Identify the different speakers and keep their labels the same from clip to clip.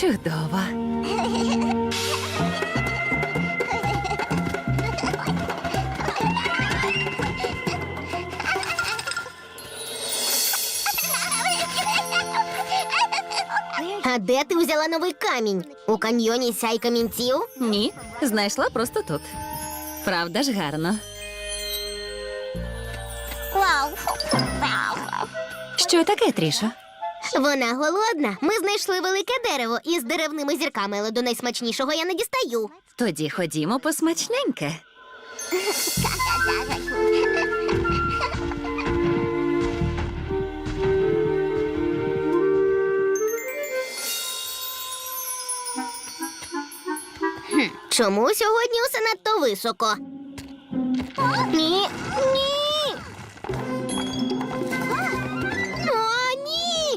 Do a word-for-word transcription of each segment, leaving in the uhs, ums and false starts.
Speaker 1: Чудово.
Speaker 2: А де ти взяла новий камінь? У каньйоні сяй камінців?
Speaker 1: Ні, знайшла просто тут. Правда ж гарно. Що таке, Трішо?
Speaker 2: Вона голодна. Ми знайшли велике дерево із деревними зірками, але до найсмачнішого я не дістаю.
Speaker 1: Тоді ходімо по смачненьке.
Speaker 2: Чому сьогодні усе надто високо? Ні, ні. О, ні.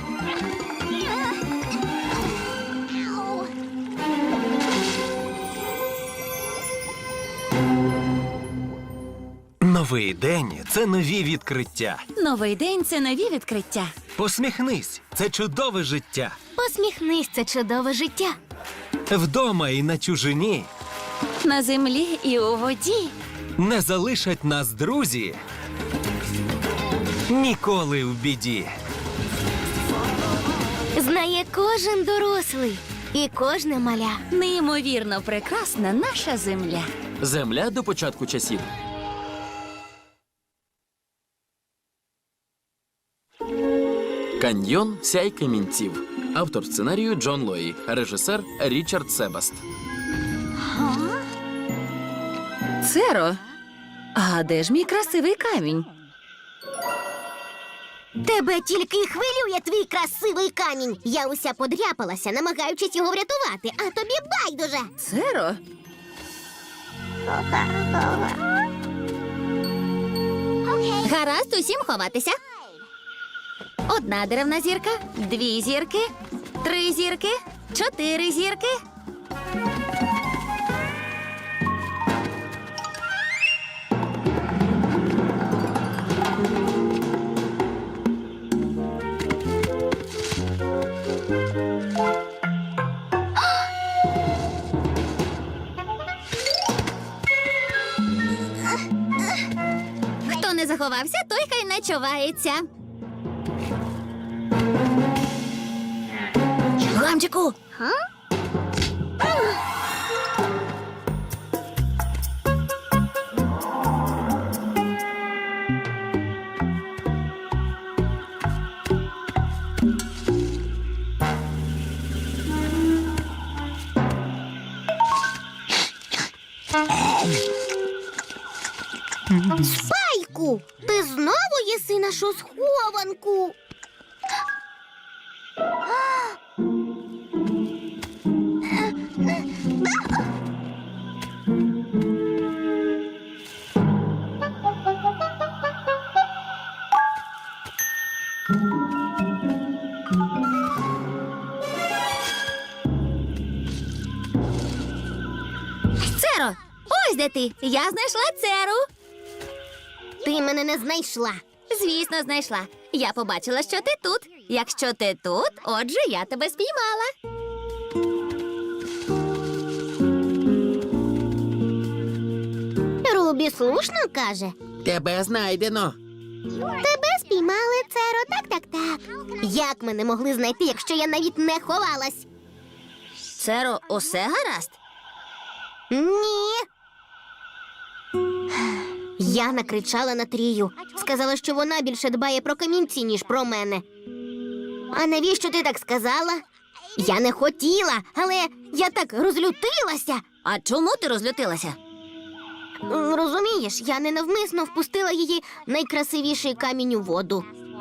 Speaker 3: Новий день – це нові відкриття.
Speaker 1: Новий день – це нові відкриття.
Speaker 3: Посміхнись – це чудове життя.
Speaker 2: Посміхнись, це чудове життя.
Speaker 3: Вдома і на чужині
Speaker 1: На землі і у воді.
Speaker 3: не залишать нас друзі ніколи в біді.
Speaker 2: Знає кожен дорослий і кожне маля.
Speaker 1: Неймовірно прекрасна наша земля.
Speaker 4: Земля до початку часів. Каньйон сяй камінців. Автор сценарію Джон Лої. Режисер Річард Себаст.
Speaker 1: Церо, а де ж мій красивий камінь?
Speaker 2: Тебе тільки й хвилює твій красивий камінь. Я уся подряпалася, намагаючись його врятувати, а тобі байдуже.
Speaker 1: Церо?
Speaker 2: Гаразд, усім ховатися.
Speaker 1: Одна деревна зірка, дві зірки, три зірки, чотири зірки.
Speaker 2: Хто не заховався, той хай не чувається.
Speaker 1: Гамчику!
Speaker 2: Спайку, ти знову їси нашу схованку.
Speaker 1: Церо, ось де ти. Я знайшла Церу.
Speaker 2: Ти мене не знайшла.
Speaker 1: Звісно, знайшла. Я побачила, що ти тут. Якщо ти тут, отже, я тебе спіймала.
Speaker 2: Рубі слушно каже.
Speaker 4: Тебе знайдено.
Speaker 2: Тебе спіймали, Церо, так-так-так. Як ми не могли знайти, якщо я навіть не ховалась?
Speaker 1: Церо, усе гаразд?
Speaker 2: Ні. Я накричала на Трію. Сказала, що вона більше дбає про камінці, ніж про мене. А навіщо ти так сказала? Я не хотіла, але я так розлютилася.
Speaker 1: А чому ти розлютилася?
Speaker 2: М, Розумієш, я ненавмисно впустила її найкрасивіший камінь у воду.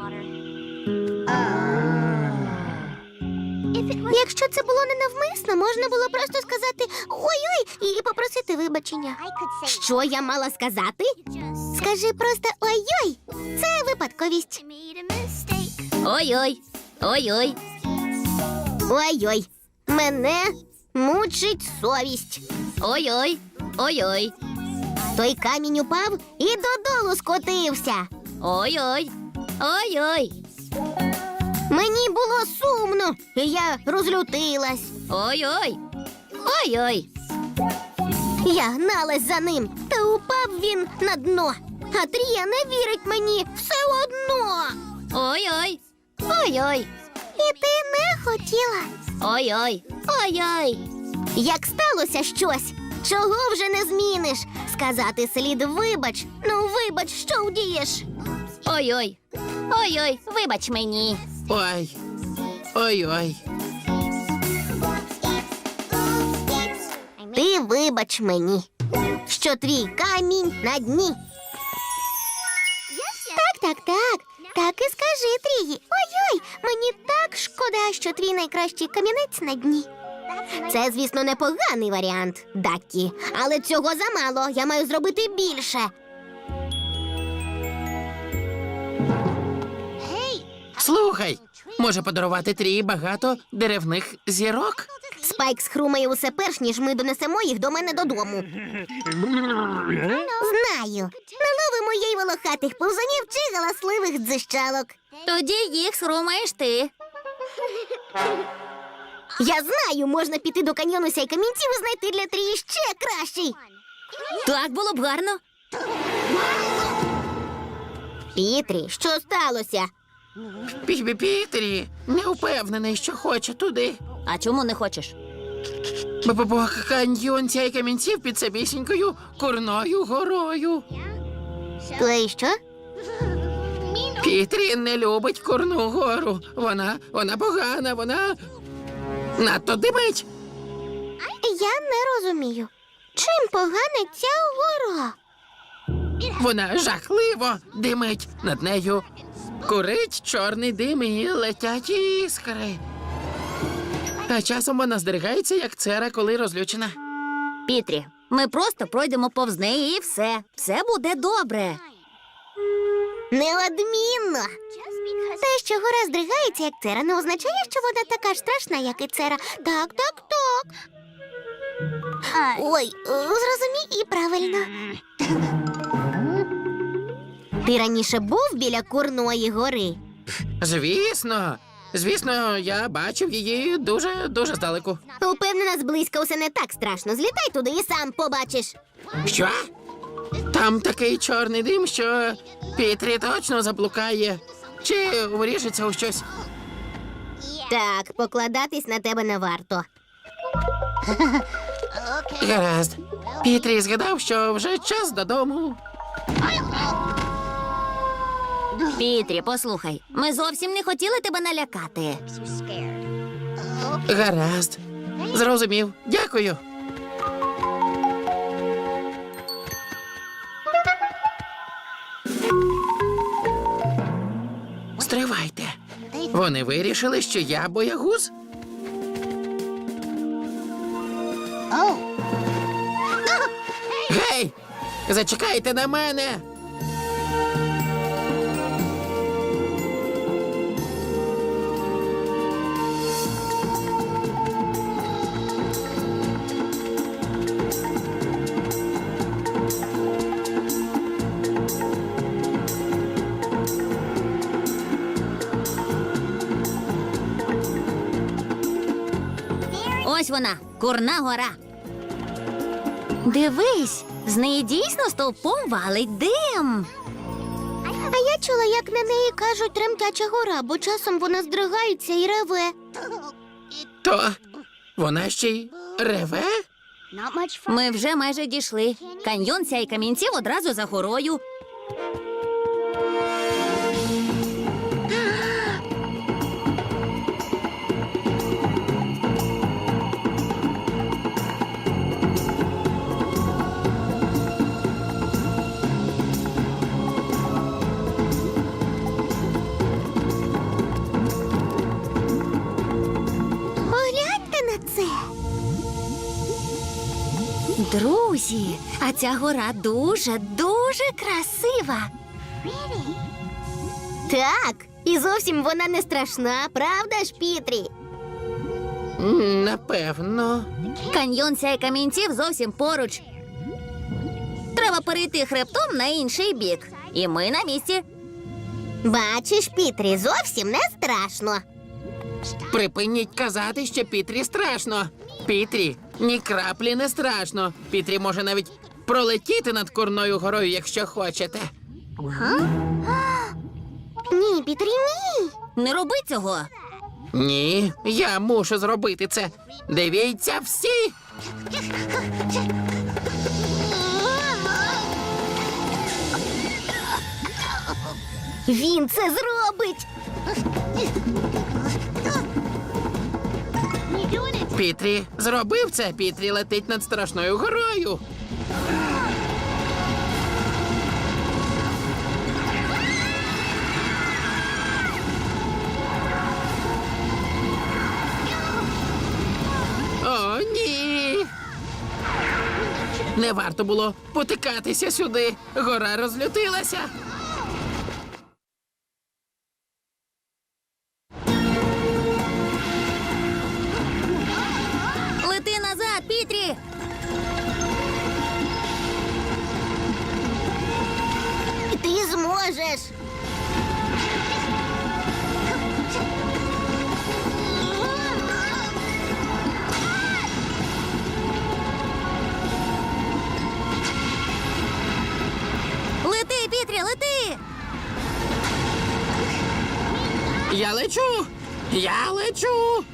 Speaker 2: Якщо це було ненавмисно, можна було просто сказати «ой-ой» і попросити вибачення. Що я мала сказати? Скажи просто «ой-ой». Це випадковість.
Speaker 1: Ой-ой, ой-ой.
Speaker 2: Ой-ой. Мене мучить совість.
Speaker 1: Ой-ой, ой-ой.
Speaker 2: Той камінь упав і додолу скотився.
Speaker 1: Ой-ой, ой-ой.
Speaker 2: Мені було сумно, і я розлютилась.
Speaker 1: Ой-ой. Ой-ой.
Speaker 2: Я гналась за ним, та упав він на дно. А Трія не вірить мені все одно.
Speaker 1: Ой-ой.
Speaker 2: Ой-ой. І ти не хотіла.
Speaker 1: Ой-ой. Ой-ой.
Speaker 2: Як сталося щось, чого вже не зміниш? Сказати слід вибач. Ну, вибач, що вдієш?
Speaker 1: Ой-ой. Ой-ой. Вибач мені.
Speaker 4: Ой. Ой-ой.
Speaker 2: Ти вибач мені, що твій камінь на дні. Так, так, так. Так і скажи, Трії. Ой-ой, мені так шкода, що твій найкращий камінець на дні. Це, звісно, непоганий варіант, Даккі. Але цього замало. Я маю зробити більше.
Speaker 4: Слухай, може подарувати Трії багато деревних зірок?
Speaker 2: Спайк схрумає усе перш, ніж ми донесемо їх до мене додому. Знаю. Наловимо їй волохатих повзунів чи галасливих дзищалок.
Speaker 1: Тоді їх схрумаєш ти.
Speaker 2: Я знаю, можна піти до каньйону сяй камінців і знайти для Трії ще кращий.
Speaker 1: Так було б гарно.
Speaker 2: Пітрі, що сталося?
Speaker 4: Пі- Пітрі, не впевнений, що хоче туди.
Speaker 1: А чому не хочеш?
Speaker 4: Бо бо каньйон цяй камінців під самісінькою Курною горою.
Speaker 2: То і що?
Speaker 4: Пітрі не любить Курну гору. Вона, вона погана, вона надто димить.
Speaker 2: Я не розумію. Чим погана ця гора?
Speaker 4: Вона жахливо димить. Над нею курить чорний дим і летять іскри. А часом вона здригається, як цера, коли розлючена.
Speaker 1: Пітрі, ми просто пройдемо повз неї і все. Все буде добре.
Speaker 2: Неодмінно. Те, що гора здригається, як цера, не означає, що вона така ж страшна, як і цера. Так, так, так. Ой, е, зрозумій і правильно. Ти раніше був біля Курної гори?
Speaker 4: Звісно, звісно, я бачив її дуже, дуже здалеку.
Speaker 2: Упевнена, зблизька усе не так страшно. Злітай туди і сам побачиш.
Speaker 4: Що? Там такий чорний дим, що Пітрі точно заблукає. Чи вріжеться у щось?
Speaker 2: Так, покладатись на тебе не варто.
Speaker 4: Гаразд. Пітрі згадав, що вже час додому.
Speaker 1: Пітрі, послухай, ми зовсім не хотіли тебе налякати.
Speaker 4: Гаразд. Зрозумів. Дякую. Стривайте. Вони вирішили, що я боягуз? Гей! Зачекайте на мене!
Speaker 1: Ось вона, Курна гора. Дивись, з неї дійсно стовпом валить дим.
Speaker 2: А я чула, як на неї кажуть тремтяча гора, бо часом вона здригається і реве.
Speaker 4: То вона ще й реве?
Speaker 1: Ми вже майже дійшли. Каньйон сяй камінців одразу за горою.
Speaker 2: Погляньте на це.
Speaker 1: Друзі, а ця гора дуже, дуже красива.
Speaker 2: Так, і зовсім вона не страшна, правда ж, Пітрі?
Speaker 4: М, Напевно.
Speaker 1: Каньйон сяй камінців зовсім поруч. Треба перейти хребтом на інший бік. І ми на місці.
Speaker 2: Бачиш, Пітрі, зовсім не страшно.
Speaker 4: Припиніть казати, що Пітрі страшно. Пітрі, ні краплі не страшно. Пітрі може навіть пролетіти над Курною горою, якщо хочете.
Speaker 2: Ні, Пітрі, ні.
Speaker 1: Не роби цього.
Speaker 4: Ні, я мушу зробити це. Дивіться всі.
Speaker 2: Він це зробить.
Speaker 4: Пітрі зробив це. Пітрі летить над страшною горою. О, ні. Не варто було потикатися сюди. Гора розлютилася.
Speaker 1: Лети назад, Пітрі!
Speaker 2: Ти зможеш.
Speaker 1: Лети, Пітрі, лети!
Speaker 4: Я лечу! Я лечу!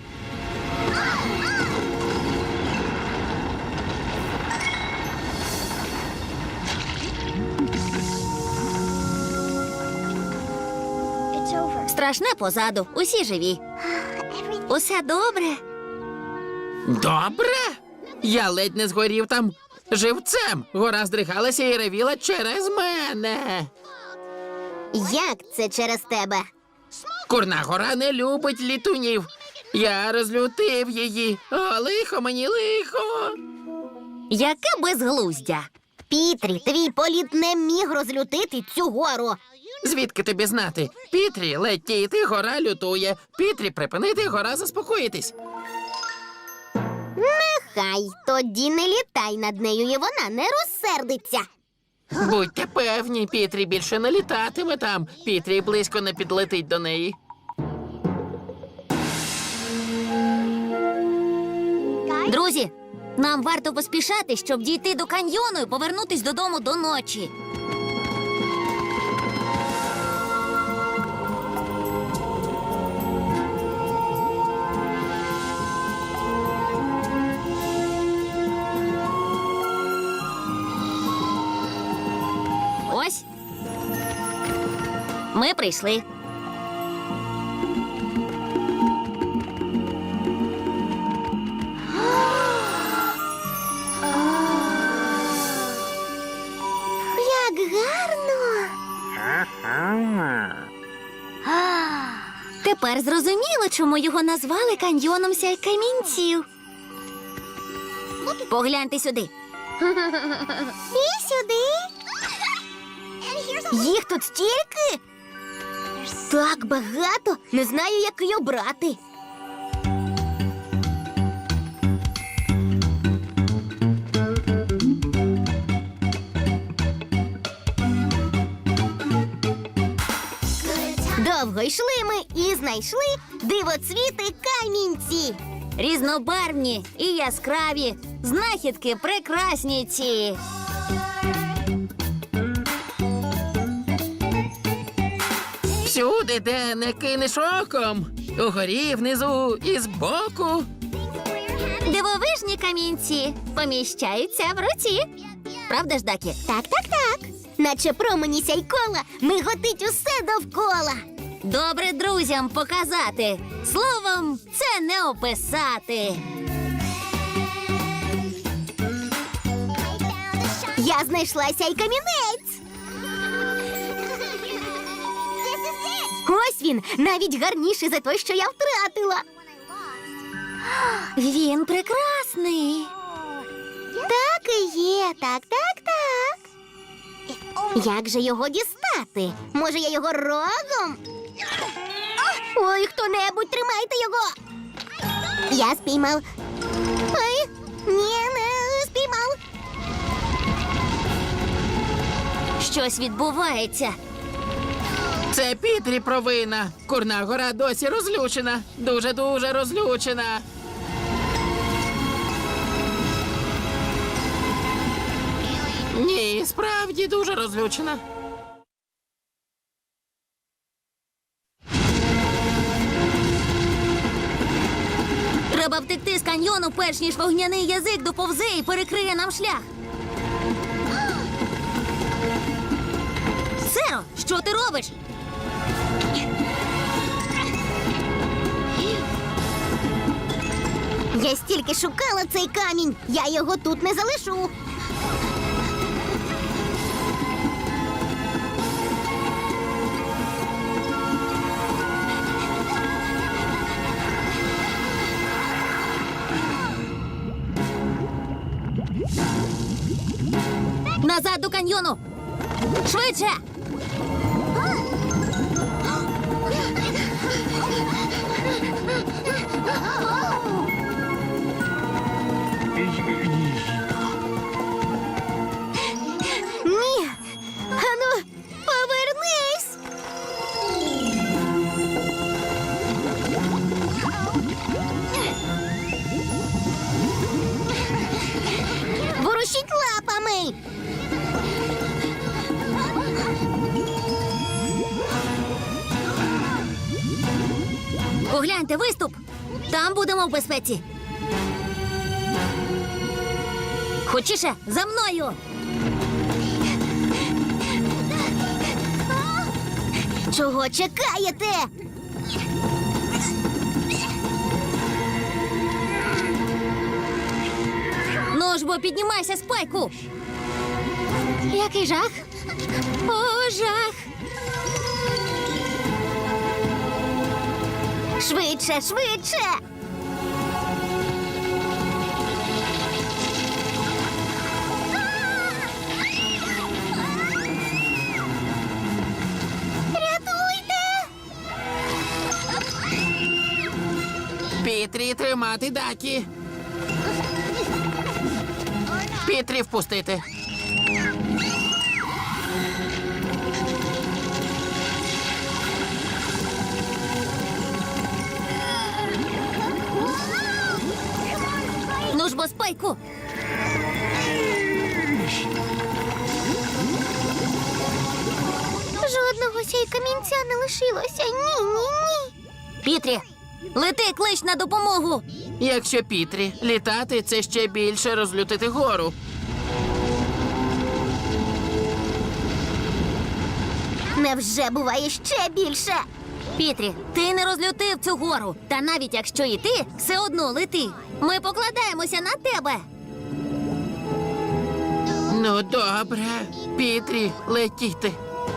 Speaker 1: Страшне позаду, усі живі. Усе добре.
Speaker 4: Добре? Я ледь не згорів там живцем. Гора здригалася і ревіла через мене.
Speaker 2: Як це через тебе?
Speaker 4: Курна гора не любить літунів. Я розлютив її. О, лихо мені, лихо.
Speaker 1: Яке безглуздя.
Speaker 2: Пітрі, твій політ не міг розлютити цю гору.
Speaker 4: Звідки тобі знати? Пітрі, летіти, гора лютує. Пітрі, припинити, гора заспокоїтись.
Speaker 2: Хай тоді не літай над нею, і вона не розсердиться.
Speaker 4: Будьте певні, Пітрі більше не літатиме там. Пітрі близько не підлетить до неї.
Speaker 1: Друзі, нам варто поспішати, щоб дійти до каньйону і повернутись додому до ночі. Ось. Ми прийшли.
Speaker 2: Як гарно.
Speaker 1: Тепер зрозуміло, чому його назвали каньйоном сяй камінців. Погляньте сюди.
Speaker 2: І сюди. Їх тут стільки? Так багато. Не знаю, який обрати. Довго йшли ми і знайшли дивоцвіти камінці.
Speaker 1: Різнобарвні і яскраві, знахідки прекрасні ці.
Speaker 4: Всюди, де не кинеш оком. Угорі, внизу і збоку.
Speaker 1: Дивовижні камінці поміщаються в руці. Правда ж, Дакі?
Speaker 2: Так, так, так. Наче промені сяйкола миготить усе довкола.
Speaker 1: Добре друзям показати. Словом, це не описати.
Speaker 2: Я знайшла сяй камінець. Ось він, навіть гарніший за той, що я втратила.
Speaker 1: Він прекрасний.
Speaker 2: Так і є, так, так, так. Як же його дістати? Може, я його рогом? Ой, хто-небудь, тримайте його. Я спіймав. Ой, ні, не спіймав.
Speaker 1: Щось відбувається.
Speaker 4: Це Пітрі провина. Курна гора досі розлючена. Дуже-дуже розлючена. Ні, справді дуже розлючена.
Speaker 1: Треба втекти з каньйону, перш ніж вогняний язик доповзе і перекриє нам шлях. Серо, що ти робиш?
Speaker 2: Я стільки шукала цей камінь, я його тут не залишу.
Speaker 1: Назад до каньйону! Швидше!
Speaker 2: Ні. Ану, повернись. Ворушіть лапами.
Speaker 1: Погляньте, виступ! Там будемо в безпеці. Хочіше, за мною!
Speaker 2: Чого чекаєте?
Speaker 1: Ну ж бо піднімайся, Спайку! Який жах! О, жах!
Speaker 2: Швидше, швидше. Рятуйте!
Speaker 4: Пітрі тримати Дакі. Пітрі впустити.
Speaker 1: Ну ж бо, Спайку!
Speaker 2: Жодного сяй камінця не лишилося. Ні, ні, ні.
Speaker 1: Пітрі, лети, клич на допомогу!
Speaker 4: Якщо Пітрі літати, це ще більше розлютити гору.
Speaker 2: Невже буває ще більше?
Speaker 1: Пітрі, ти не розлютив цю гору. Та навіть якщо і ти, все одно лети. Ми покладаємося на тебе.
Speaker 4: Ну, добре. Пітрі, летіти.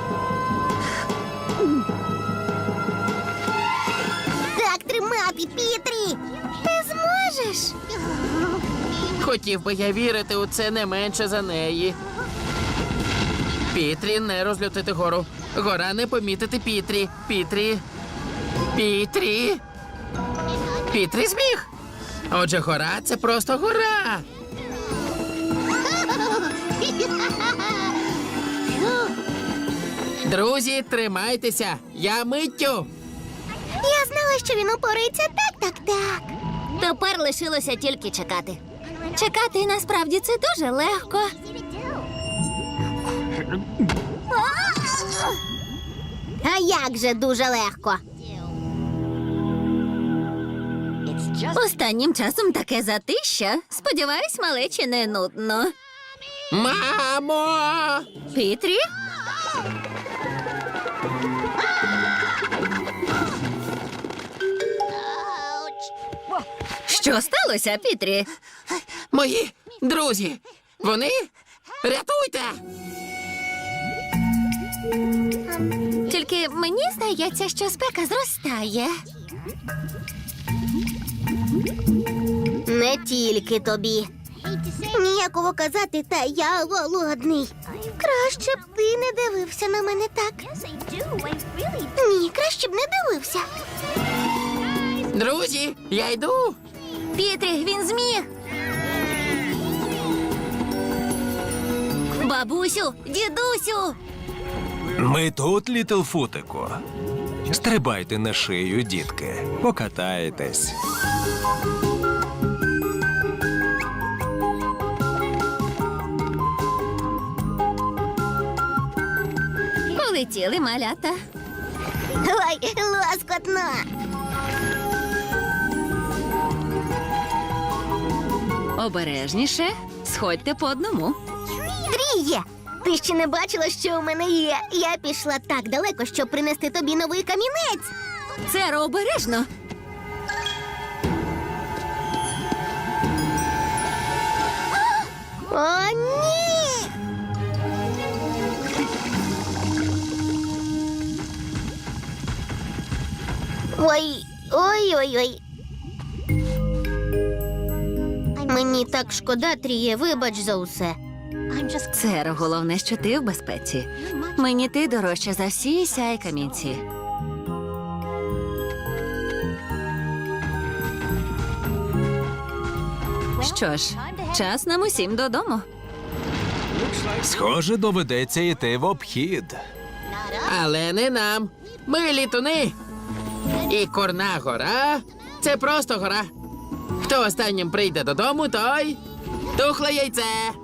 Speaker 2: Так тримати, Пітрі! Ти зможеш?
Speaker 4: Хотів би я вірити у це не менше за неї. Пітрі не розлютити гору. Гора не помітити Пітрі. Пітрі. Пітрі. Пітрі зміг. Отже, гора – це просто гора. Друзі, тримайтеся. Я миттю.
Speaker 2: Я знала, що він упорається. Так, так, так.
Speaker 1: Тепер лишилося тільки чекати. Чекати насправді це дуже легко.
Speaker 2: А як же дуже легко.
Speaker 1: Останнім часом таке затища. Сподіваюсь, малечі не нудно.
Speaker 4: Мамо!
Speaker 1: Пітрі? Що сталося, Пітрі?
Speaker 4: Мої друзі! Вони? Рятуйте!
Speaker 1: Тільки мені здається, що спека зростає.
Speaker 2: Не тільки тобі. Ніякого казати, та я голодний. Краще б ти не дивився на мене так. Ні, краще б не дивився.
Speaker 4: Друзі, я йду.
Speaker 1: Пітрі, він зміг. Бабусю, дідусю.
Speaker 3: Ми тут, Літлфутику. Стрибайте на шию, дітки. Покатаєтесь.
Speaker 1: Полетіли малята.
Speaker 2: Ой, лоскотно.
Speaker 1: Обережніше, сходьте по одному.
Speaker 2: Тріє! Ти ще не бачила, що у мене є. Я пішла так далеко, щоб принести тобі новий камінець.
Speaker 1: Церо, обережно.
Speaker 2: О, ні! Ой, ой, ой, ой. Мені так шкода, Тріє, вибач за усе.
Speaker 1: Церо, головне, що ти в безпеці. Мені ти дорожча за всі сяй камінці. Що ж, час нам усім додому.
Speaker 3: Схоже, доведеться йти в обхід.
Speaker 4: Але не нам. Ми літуни. І Курна гора – це просто гора. Хто останнім прийде додому, той тухле яйце.